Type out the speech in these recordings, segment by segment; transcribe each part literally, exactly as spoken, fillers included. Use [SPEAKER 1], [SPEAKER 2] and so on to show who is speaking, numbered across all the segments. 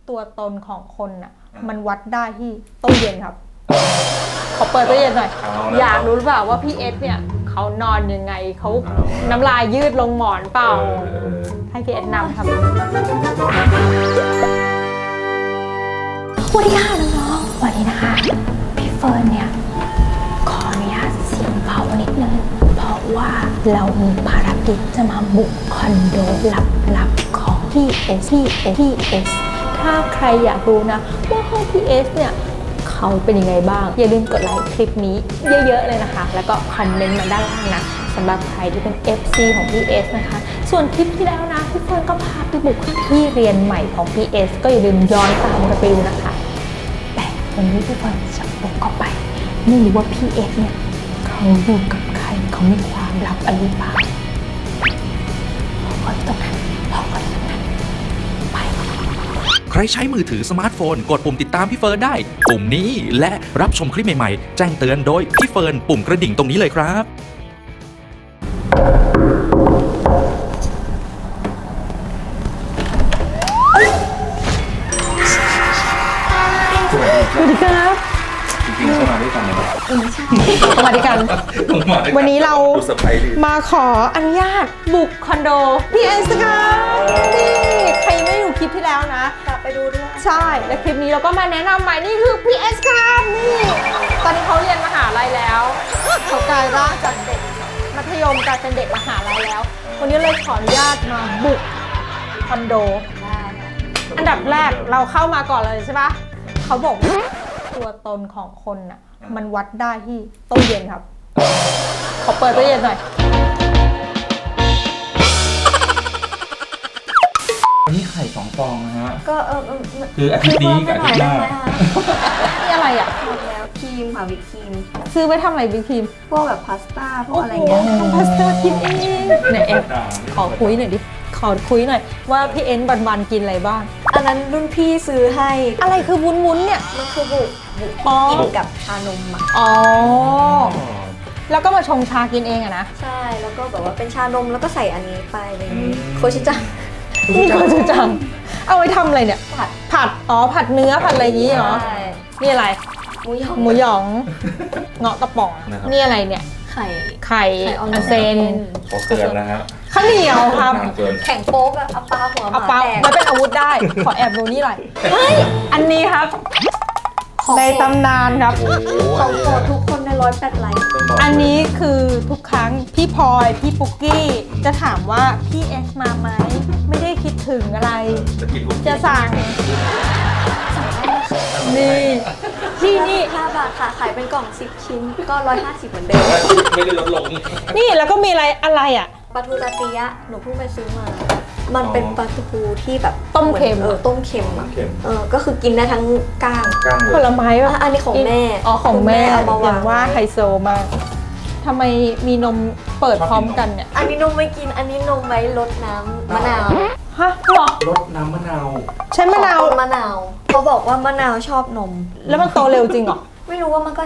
[SPEAKER 1] ตัวตนของคนน่ะมันวัดได้ที่ตู้เย็นครับขอเปิดตู้เย็นหน่อยอยากรู้หรือเปล่าว่าพี่เอสเนี่ยเขานอนยังไงเขาน้ำลายยืดลงหมอนเปล่าให้พี่เอสนำครับสวัสดีค่ะน้องๆวันนี้นะคะพี่เฟิร์นเนี่ยขออนุญาตเสียงเบานิดนึงเพราะว่าเรามีภารกิจจะมาบุกคอนโดลับๆของพี่เอสพี่เอสพี่เอสถ้าใครอยากรู้นะว่าห้องพี่เอสเนี่ยเขาเป็นยังไงบ้างอย่าลืมกดไลค์คลิปนี้เยอะๆเลยนะคะแล้วก็คอมเมนต์มาด้านล่างนะสำหรับใครที่เป็น เอฟ ซี ของพี่เอสนะคะส่วนคลิปที่แล้วนะพี่เฟิร์นก็พาไปบุกที่เรียนใหม่ของพี่เอสก็อย่าลืมย้อนตามกันไปดูนะคะแต่วันนี้พี่เฟิร์นจะบุกเข้าไปไม่รู้ว่าพี่เอสเนี่ยเขาอยู่กับใครเขามีความลับอะไรบ้างรอก่อนตรงนั้นรอก่อนตรงนั้นไป
[SPEAKER 2] ใครใช้มือถือสมาร์ทโฟนกดปุ่มติดตามพี่เฟิร์นได้ปุ่มนี้และรับชมคลิปใหม่ๆแจ้งเตือนโดยพี่เฟิร์นปุ่มกระดิ่งตรงนี้เลยครับ
[SPEAKER 1] สวัสดีครับ
[SPEAKER 3] จริงๆเข้ามาด้วยกันเลยนะ
[SPEAKER 1] ไม่ใช่สวัสดีกันวันนี้เรามาขออนุญาตบุกคอนโดพี่เอสครับนี่ใครไม่ดูคลิปที่แล้วนะกลับไปดูด้วยใช่และคลิปนี้เราก็มาแนะนำใหม่นี่คือพี่เอสครับนี่ตอนนี้เขาเรียนมหาลัยแล้วเขากลายร่างจากเด็กมัธยมกลายเป็นเด็กมหาลัยแล้ววันนี้เลยขออนุญาตมาบุกคอนโดอันดับแรกเราเข้ามาก่อนเลยใช่ปะเขาบอกตัวตนของคนน่ะมันวัดได้ที่ตู้เย็นครับขอเปิดตู้เย็นหน่อย
[SPEAKER 3] วันนี้ไข่สองฟองนะฮะ
[SPEAKER 4] ก็เออ
[SPEAKER 3] คืออาทิตย์นี้กับอาทิตย์หน้า
[SPEAKER 1] นี่อะไรอ่ะ
[SPEAKER 4] หมดแล้วครีมค่ะวิปครีม
[SPEAKER 1] ซื้อไว้ทำอะไรวิปครีม
[SPEAKER 4] พวกแบบพาสต้าพวกอะไรเงี้ย
[SPEAKER 1] ทำพาสต้ากินเองไหนแอบขอคุยหน่อยดิขอคุยหน่อยว่าพี่เอ็นวันๆกินอะไรบ้าง
[SPEAKER 4] อันนั้นรุ่นพี่ซื้อให้
[SPEAKER 1] อะไรคือวุ้นๆเนี่ย
[SPEAKER 4] มันคือบุกบุกที่กินกับชานมอ่ะ
[SPEAKER 1] อ๋อแล้วก็มาชงชากินเองอะนะ
[SPEAKER 4] ใช่แล้วก็แบบว่าเป็นชานมแล้วก็ใส่อันนี้ไปอะไรอย่างนี้โคชิจัง
[SPEAKER 1] นี่โคชิจังเอาไว้ทำอะไรเนี่ยผัดผัดอ๋อผัดเนื้อผัดอะไรอย่างนี้เหรอนี่อะไร
[SPEAKER 4] หมูหยอง
[SPEAKER 1] หมูหยองเงาะกระป๋องนี่อะไรเนี่ย
[SPEAKER 4] ไข่
[SPEAKER 1] ไข่ออนเซน
[SPEAKER 3] ขอเตือนนะฮะ
[SPEAKER 1] ข้าวเหนียวครับ
[SPEAKER 4] แข่งโป๊กอะเอาปลาหัวหมาแตก
[SPEAKER 1] มันเป็นอาวุธได้ขอแอบดูนี่หน่อยเฮ้ยอันนี้ครับในตำนานครับ
[SPEAKER 4] ของโปรดทุกคนในร้อยแปดไลค์
[SPEAKER 1] อันนี้คือทุกครั้งพี่พลอยพี่ปุ๊กกี้จะถามว่าพี่เอสมาไหมไม่ได้คิดถึงอะไรจะสั่งนี่ที่นี่
[SPEAKER 4] ห้าบาทค่ะขายเป็นกล่องสิบชิ้นก็ร้อยห้าสิบเหมือนเดิม
[SPEAKER 3] ไม่ได้ลดลง
[SPEAKER 1] นี่แล้วก็มีอะไรอะไรอ่ะ
[SPEAKER 4] ปลาทูตาเตียะหนูเพิ่งไปซื้อมามันเป็นปลาทูที่แบบ
[SPEAKER 1] ต้มเค็ม
[SPEAKER 4] เออต้มเค็มอ่ะเออก็คือกินได้ทั้งก้าง
[SPEAKER 1] ผลไม้ป่ะ
[SPEAKER 4] อันนี้ของแม่
[SPEAKER 1] อ๋อของแม่อย่างว่าไฮโซมากทำไมมีนมเปิดพร้อมกันเนี่ย
[SPEAKER 4] อันนี้นมไม่กินอันนี้นมไว้รดน้ำมะนาว
[SPEAKER 1] ฮะหรอ
[SPEAKER 3] รดน้ำมะนาว
[SPEAKER 1] ใช้มะนาว
[SPEAKER 4] มะนาวเขาบอกว่ามะนาวชอบนม
[SPEAKER 1] แล้วมันโตเร็วจริงเหรอ
[SPEAKER 4] ไม่รู้ว่ามันก็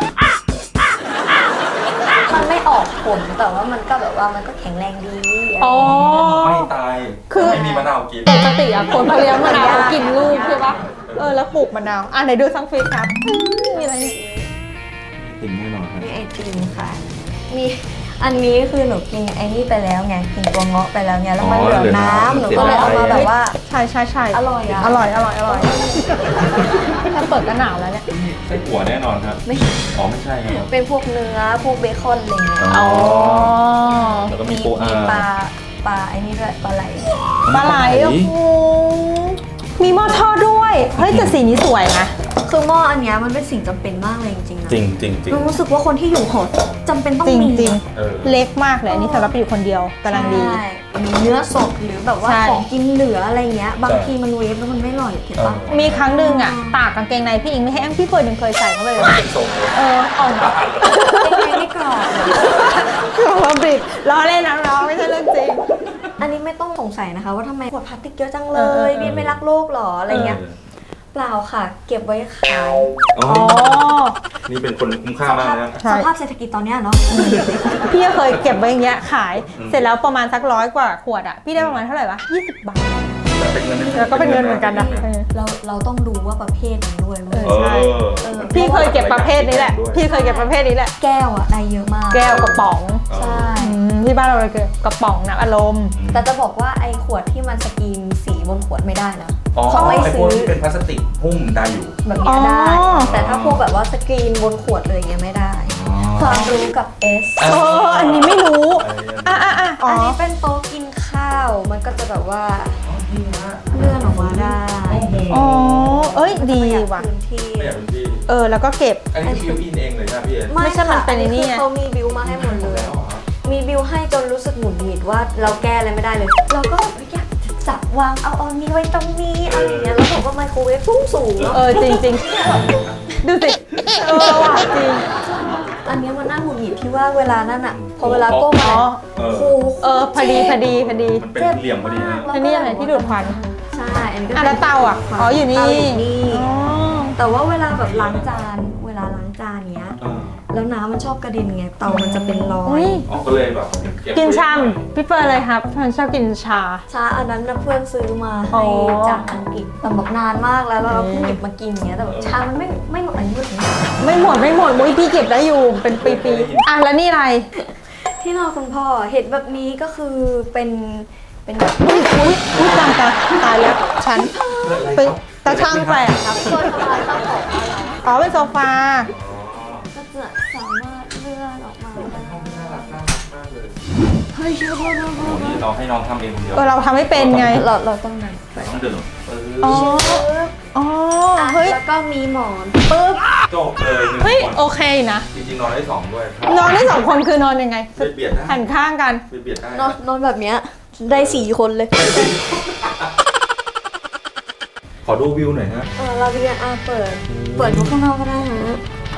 [SPEAKER 4] มันไม่ออกผลแต่ว่ามันก็แบบว่ามันก็แข็งแรงดี
[SPEAKER 1] อ๋อ
[SPEAKER 3] ไม่ตายคือไม่มีมะนาวกิน
[SPEAKER 1] ปกติอะคนเขาเลี้ยงมะนาวเขากินลูกใช่ปะเออแล้วปลูกมะนาวอ่ะไหนดูซังเฟสครับมีอะไร
[SPEAKER 3] ติ่งแน่นอนครับ
[SPEAKER 4] มีไอติมค่ะมีอันนี้คือหนูกินไอ้นี่ไปแล้วไงกินตัวเงาะไปแล้วเนี่ยแล้วมันเหลือน้ำหนูก็เลยเอามาแบบว่า
[SPEAKER 1] ใช่ใช่ใช่
[SPEAKER 4] อร่อยอ่ะ
[SPEAKER 1] อร่อยอร่อยอร่อยถ้าเปิดก็หนาวแล้วเนี่ย
[SPEAKER 3] ไส้อั่วแน่นอนครับ
[SPEAKER 4] ไม่
[SPEAKER 3] อ๋อไม่ใช่ครับ
[SPEAKER 4] เป็นพวกเนื้อพวกเบคอนอะไรเงี้ย
[SPEAKER 1] อ๋อ
[SPEAKER 3] แล้วก็มีปูอา
[SPEAKER 4] ปลาปลาไอ้นี่ด้วยปลาไหล
[SPEAKER 1] ปลาไหลโอ้โหมีหม้อทอดด้วยเฮ้ยแต่สีนี้สวยนะ
[SPEAKER 4] คือหม้ออันนี้มันเป็นสิ่งจำเป็นมากเลยจริงๆนะ
[SPEAKER 3] จริงจริงจริง
[SPEAKER 4] รู้สึกว่าคนที่อยู่หอจำเป็นต้องมี
[SPEAKER 1] จริงๆเล็กมากเลยอันนี้สำหรับอยู่คนเดียวกำลังดี
[SPEAKER 4] มีเนื้อสดหรือแบบว่าของกินเหลืออะไรเงี้ยบางทีมันเวฟแล้วมันไม่อร่อยถูกปะ
[SPEAKER 1] มีครั้งหนึ่งอ่ะตากกางเกงในพี่อิงไม่ให้แอมพี่เฟิร์นยังเคยใส่เข้าไปเลยเออออกมา
[SPEAKER 4] ไม่กรอบ
[SPEAKER 1] กรอบบิดล้อเล่นนะล้อไม่ใช่เรื่องจริง
[SPEAKER 4] อันนี้ไม่ต้องสงสัยนะคะว่าทำไมขวดพลาสติกเยอะจังเลยพี่ไม่รักโลกหรออะไรเงี้ยเปล่าค่ะเก็บไว้ขาย
[SPEAKER 3] อ๋อนี่เป็นคนคุ้มค่ามากนะ
[SPEAKER 4] สภาพเศรษฐกิจตอนนี้เนาะ
[SPEAKER 1] พี่เคยเก็บไว้อย่างเงี้ยขายเสร็จแล้วประมาณสักร้อยกว่าขวดอ่ะพี่ได้ประมาณเท่าไหร่วะยี่สิบบาท
[SPEAKER 3] แต่เป็นเงิน
[SPEAKER 1] แล้วก็เป็นเงินเหมือนกันนะ
[SPEAKER 4] เราเราต้องดูว่าประเภทมันด้วยเว้ย
[SPEAKER 1] เออใช่
[SPEAKER 4] เออ
[SPEAKER 1] พี่เคยเก็บประเภทนี้แหละ พี่เคยเก็บประเภทนี้แหละ
[SPEAKER 4] แก้วอะได้เยอะมาก
[SPEAKER 1] แก้วกระป๋อง
[SPEAKER 4] ใช่
[SPEAKER 1] อืมที่บ้านเราเลยคือกระป๋องน้ำอารมณ์
[SPEAKER 4] แต่จะบอกว่าไอ้ขวดที่มันสกรีนสีบนขวดไม่ได้นะ
[SPEAKER 3] อ๋อ
[SPEAKER 4] เขาไม่
[SPEAKER 3] ไอ้พ
[SPEAKER 4] ซื้
[SPEAKER 3] วก
[SPEAKER 4] อ
[SPEAKER 3] ที่เป็นพลาสติกหุ้มได้อยู่
[SPEAKER 4] แบบเนี้ยได้
[SPEAKER 1] อ๋อ
[SPEAKER 4] แต่ถ้าพวกแบบว่าสกรีนบนขวดเลยอย่างเงี้ยไม่ได้ ความรู้กับ S
[SPEAKER 1] เอออันนี้ไม่รู้ อ่ะอ่ะอ่ะอ๋อ
[SPEAKER 4] อันนี้เป็นโต๊ะกินข้าว มันก็จะแบบว่าเลื่อนออกมาได้
[SPEAKER 1] อ๋อ เอ้ยดี
[SPEAKER 4] ประหยั
[SPEAKER 1] ว่ะ
[SPEAKER 4] พื้นที่
[SPEAKER 3] ไม่อยากเป็นพี่
[SPEAKER 1] เออแล้วก็เก็บ
[SPEAKER 3] อันนี้คือพี่กินเองเลยนะพี่เอ็น
[SPEAKER 1] ไม่ใช่มันเป็นไอ้นี่
[SPEAKER 4] คือ
[SPEAKER 1] ไง
[SPEAKER 4] เขามีบิวมาให้หมดเลย มีบิวให้จนรู้สึกหงุดหงิดว่าเราแก้อะไรไม่ได้เลย เราก็อยากจะจับวางเอาเอานี้ไว้ตรงนี้อะไรอย่างเงี้ยแล้วผมก็ไมโครเวฟสูงสูง
[SPEAKER 1] เออจริงจริงๆดูสิ เออว่ะจริง
[SPEAKER 4] อันเนี้ยมันน่าหงุดหงิดที่ว่าเวลานั่นอะพอเวลาก้ม
[SPEAKER 1] อ๋
[SPEAKER 4] อะ
[SPEAKER 1] อ
[SPEAKER 3] เออ
[SPEAKER 4] โอ้โห
[SPEAKER 1] เออพอดีพอดีพอดี
[SPEAKER 3] มันเป็นเหลี่ยมพอดีนะ
[SPEAKER 1] อันนี้อะไรที่ดูดควัน
[SPEAKER 4] ใช่อันนี้ก็
[SPEAKER 1] อ่ะแล้วเตาอ่ะอ๋ออยู่นี่
[SPEAKER 4] เตาอยู่นี่
[SPEAKER 1] อ๋อ
[SPEAKER 4] แต่ว่าเวลาแบบล้างจาน เวลาล้างจานเนี้ย
[SPEAKER 3] เออ
[SPEAKER 4] แล้วน้ำมันชอบกระเด็นไง เตามันจะเป็นรอ
[SPEAKER 1] อุ้
[SPEAKER 4] ย
[SPEAKER 1] ย
[SPEAKER 3] อ๋อก็เลยแบบเบ
[SPEAKER 1] กินชามพี่เฟิร์นเลยครับเฟิร์นชอบกินชา
[SPEAKER 4] ชาอันนั้นนะเพื่อนซื้อมา
[SPEAKER 1] อ๋
[SPEAKER 4] ให้
[SPEAKER 1] อ
[SPEAKER 4] จากอังกฤษแต่บอกนานมากแล้วแล้วเราเพิ่ง
[SPEAKER 1] อืม
[SPEAKER 4] หยิบมากินเงี้ยแต่แบบชามันไม่ไม่หมดอายุถึง
[SPEAKER 1] ไม่หมดไม่หมดมุ้ยพี่เก็บได้อยู่เป็นปีๆอ่ะแล้วนี่อะไร
[SPEAKER 4] ที่นอนคุณพ่อเห็นแบบนี้ก็คือเป็นเป็นแบบ
[SPEAKER 1] อุ้ยอุ้ยอุ้ยตายตายตายแล้วฉันไปตาช่างไปอ่ะครับ
[SPEAKER 4] ตัวทำลายข้าวของอะไร
[SPEAKER 1] อ๋อเป็นโซฟา
[SPEAKER 4] ก็จะสามารถเลื่อนออกมาได้
[SPEAKER 3] น่ารักน่ารักมากเลย
[SPEAKER 4] เฮ้ยเชื่อพ่อพ่อพ่อ
[SPEAKER 3] โอ้นี่เราให้น้องทำเองคนเดียว
[SPEAKER 1] เออเราทำไม่เป็นไง
[SPEAKER 4] เราเราต้องนั่นไป
[SPEAKER 3] ต้องเดินเอ
[SPEAKER 1] อ๋อ
[SPEAKER 3] อ
[SPEAKER 1] อ๋อ
[SPEAKER 4] อ่ะ
[SPEAKER 1] เฮ้ย
[SPEAKER 4] แล้วก็มีหมอนปึ๊บ
[SPEAKER 3] จบเลยหนึ่ง
[SPEAKER 1] เฮ้ย
[SPEAKER 3] คน
[SPEAKER 1] โอเคนะ
[SPEAKER 3] จริงๆนอนได้สองด้วย
[SPEAKER 1] นอนได้สองคนคือนอนยังไง
[SPEAKER 3] ไปเบียดได้
[SPEAKER 1] หันข้างกัน
[SPEAKER 3] ไปเบียดได้
[SPEAKER 4] นอนนอนแบบเนี้ยได้สี่คนเลย
[SPEAKER 3] ขอดูวิวหน่อยฮะ
[SPEAKER 4] เออเราเรียนอ่ะเปิด เปิดดูข้างนอกก็ได้ฮะ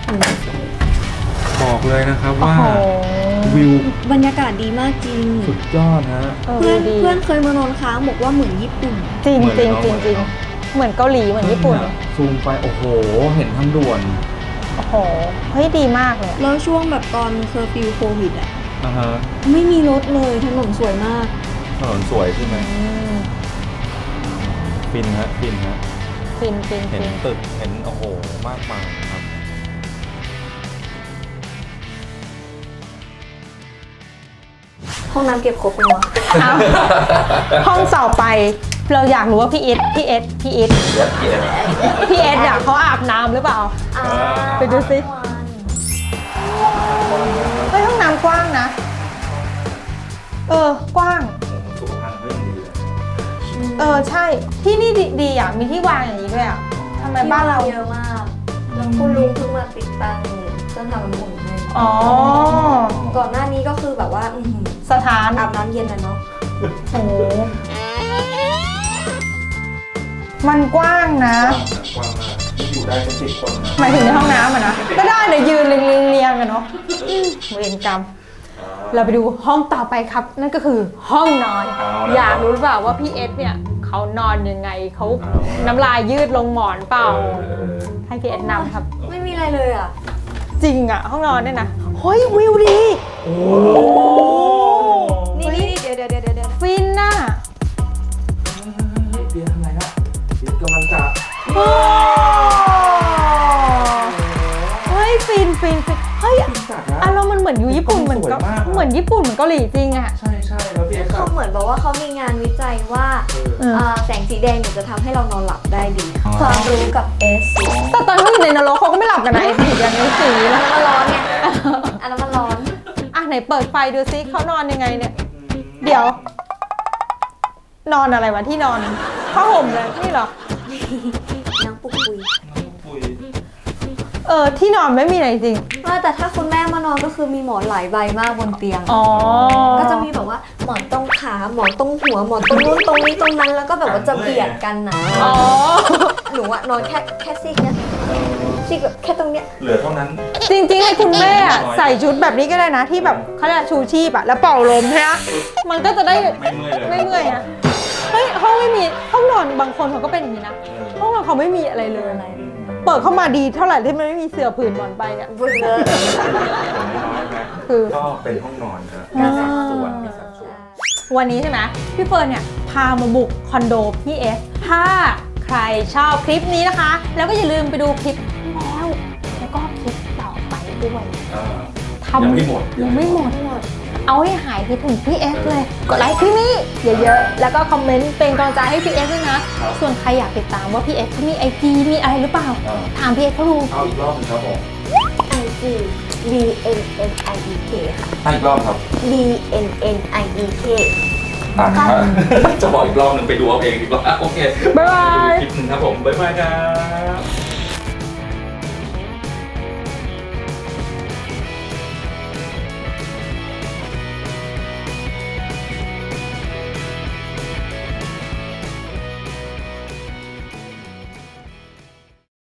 [SPEAKER 3] บอกเลยนะครับ
[SPEAKER 1] โอ้
[SPEAKER 3] ว่า
[SPEAKER 1] โห
[SPEAKER 3] วิว
[SPEAKER 4] บรรยากาศดีมากจริง
[SPEAKER 3] สุดยอดฮะ
[SPEAKER 1] เออ
[SPEAKER 4] เพื่อน
[SPEAKER 1] ดี
[SPEAKER 4] เพื่อนเคยมานอนค้างบอกว่าเหมือนญี่ปุ่น
[SPEAKER 1] จริง
[SPEAKER 3] เหมือน
[SPEAKER 1] จริง
[SPEAKER 3] เนอะ
[SPEAKER 1] จริงจริง
[SPEAKER 3] เหมือนเนอะ
[SPEAKER 1] เหมือนเกาหลีเหมือนญี่ปุ่น
[SPEAKER 3] ซูมไปโอ้โห เห็นทางด่วน
[SPEAKER 1] โอ้โห เฮ้ยดีมากเลยอะ
[SPEAKER 4] แล้วช่วงแบบตอนเคอร์ฟิวโควิดอ่ะ
[SPEAKER 3] นะฮะ
[SPEAKER 4] ไม่มีรถเลยถนนสวยมาก
[SPEAKER 3] ถนนสวยใช่ไหม
[SPEAKER 1] อืม
[SPEAKER 3] ฟินฮะฟินฮะ
[SPEAKER 1] ฟินฟิน
[SPEAKER 3] เห็น
[SPEAKER 1] ฟิน
[SPEAKER 3] ตึกเห็นโอ้โหมากมายครับ
[SPEAKER 4] ห้องน้ำเก็บครบเลยวะ
[SPEAKER 1] เอา ห้องต่อไป เราอยากรู้ว่าพี่เอสพี่เอสพี่เอส
[SPEAKER 3] เดี๋ยวเดี๋ยว
[SPEAKER 1] พี่เอสเนี่ยเขาอาบน้ำหรือเปล่า
[SPEAKER 4] อ่า
[SPEAKER 1] ไปดูสิ เฮ้ยห้องน้ำกว้างนะ เออกว้าง
[SPEAKER 3] สุขภาพเรื่องดีเลย
[SPEAKER 1] เออใช่ ที่นี่ดีดีอ่ะ มีที่วางอย่างนี้ด้วยอ่ะทำไมบ้านเรา
[SPEAKER 4] เยอะมาก แล้วคุณลุงเพิ่งมาติดตั้งเครื่องทำน้ำอุ่นให้
[SPEAKER 1] อ๋อ
[SPEAKER 4] ก่อนหน้านี้ก็คือแบบว่าอื้อหือ
[SPEAKER 1] สถาน
[SPEAKER 4] อาบน้ำเย็นนะเนาะ
[SPEAKER 1] โอ้โหมันกว้างนะ
[SPEAKER 3] กว้างมากอยู่ได้เป็นสิบคนนะ
[SPEAKER 1] หมายถึงในห้องน้ำอ่ะนะ ก็ได้เลยยืนเรียงเรียงเรียงกันเนาะอืมเวรกรรม เราไปดูห้องต่อไปครับ นั่นก็คือห้องนอน อยากรู้หรือเปล่าว่าพี่เอสเนี่ยเขานอนยังไงเขาน้ำลายยืดลงหมอนเปล่า ให้พี่เอสนำครับ
[SPEAKER 4] ไม่มีอะไรเลยอ่ะ
[SPEAKER 1] จริงอ่ะ ห้องนอนเนี่ยนะเฮ้ยวิวดี
[SPEAKER 3] โอ้
[SPEAKER 4] นี่นี่นี่เดี๋ยวเดี๋ยวเดี๋ยวเดี๋ยว
[SPEAKER 1] ฟินน่ะ
[SPEAKER 3] เบียร์ทำไรฮะเบียร์กำลังจะ
[SPEAKER 1] โอ้เฮ้ยฟินฟินฟินเฮ้ย
[SPEAKER 3] จัดนะ
[SPEAKER 1] อารมณ์มันเหมือนอยู่ญี่ปุ่นเหมือนก็
[SPEAKER 3] สวยมากอะ
[SPEAKER 1] เหมือนญี่ปุ่นเหมือนเกาหลีจริงอ่ะ
[SPEAKER 3] ใช่ใช่แล้วพี่เอ็กซ์
[SPEAKER 4] เขาเหมือนบอกว่าเขามีงานวิจัยว่า
[SPEAKER 1] เออ
[SPEAKER 4] อ่าแสงสีแดงเนี่ยจะทำให้เรานอนหลับได้ดี
[SPEAKER 3] อ๋อ
[SPEAKER 4] ความรู้กับ S
[SPEAKER 1] แต่ตอนเขาอยู่ในนรกเขาก็ไม่หลับกันนะไอ้ผีอย่างนี้สี
[SPEAKER 4] อัน
[SPEAKER 1] แล้ว
[SPEAKER 4] นั้นมันร้อนไงอันนั้นมันร้อน
[SPEAKER 1] อ่ะไหนเปิดไฟดูซิเขานอนยังไงเนี่ย เดี๋ยว นอนอะไรวะที่นอนผ้าห่มเลยนี่เหรอ
[SPEAKER 4] นั่งปุกปุย
[SPEAKER 3] ปุย
[SPEAKER 1] เออที่นอนไม่มีอะไรจริง
[SPEAKER 4] ว่าแต่ถ้าคุณแม่มานอนก็คือมีหมอนหลายใบมากบนเตียง
[SPEAKER 1] อ๋อ
[SPEAKER 4] ก็จะมีแบบว่าหมอนตรงขาหมอนตรงหัวหมอนตรงนู้นตรงนี้ตรงนั้นแล้วก็แบบว่าจะเบียดกันนะ
[SPEAKER 1] อ๋อ
[SPEAKER 4] หนูอะนอนแค่แค่ซีกเนี้ยซีกแบบแค่ตรงเนี้ย
[SPEAKER 3] เหลือเท่านั้น
[SPEAKER 1] จริงๆให้คุณแม่อะใส่ชุดแบบนี้ก็ได้นะที่แบบเขาเรียกชูชีพอะแล้วเป่าลมใช่ไหมมันก็จะได้
[SPEAKER 3] ไม่เมื่อยเลย
[SPEAKER 1] ไม่เมื่อยนะเฮ้ยห้องไม่มีห้องนอนบางคนเขาก็เป็นอย่างนี้นะห้องนอนเขาไม่มีอะไรเลย
[SPEAKER 4] อะไรเลย
[SPEAKER 1] เปิดเข้ามาดีเท่าไหร่ที่มันไม่มีเสื่อผืนหมอนใบเนี่ย
[SPEAKER 4] เบื่อ
[SPEAKER 3] อย่างน้อยๆนะ
[SPEAKER 1] คือ
[SPEAKER 3] ก็เป็นห้องนอนนะมีสัดส่วนมีสัดส่วน
[SPEAKER 1] วันนี้ใช่ไหมพี่เฟิร์นเนี่ยพามาบุกคอนโดพี่เอสถ้าใคใครชอบคลิปนี้นะคะ แล้วก็อย่าลืมไปดูคลิปที่แล้ว แล้วก็คลิปต่อไปด้วย
[SPEAKER 3] อ่า
[SPEAKER 1] ทำ
[SPEAKER 3] ยังไม่หมด
[SPEAKER 1] ยังไม่หมดเอาให้หายคิดถึงพี่เอสเลย กดไลค์คลิปนี้เยอะๆ แล้วก็คอมเมนต์เป็นกำลังใจให้พี่เอสด้วยนะ ส่วนใครอยากติดตามว่าพี่เอสเขามีไอจีมีอะไรหรือเปล่า ถามพี่เอสเขาดู
[SPEAKER 3] เอาอีกรอบหนึงครับผม
[SPEAKER 4] ไอจี B N N I E K ค่ะ
[SPEAKER 3] ให้อีกรอบครับ
[SPEAKER 4] B N N I E K
[SPEAKER 3] อ่านครับจะบอกอีกรอบหนึงไปดูเอาเองดีกว่าโอเค
[SPEAKER 1] บ๊ายบาย
[SPEAKER 3] ดูคลิปหนึ่งครับผมบ๊ายบายครับ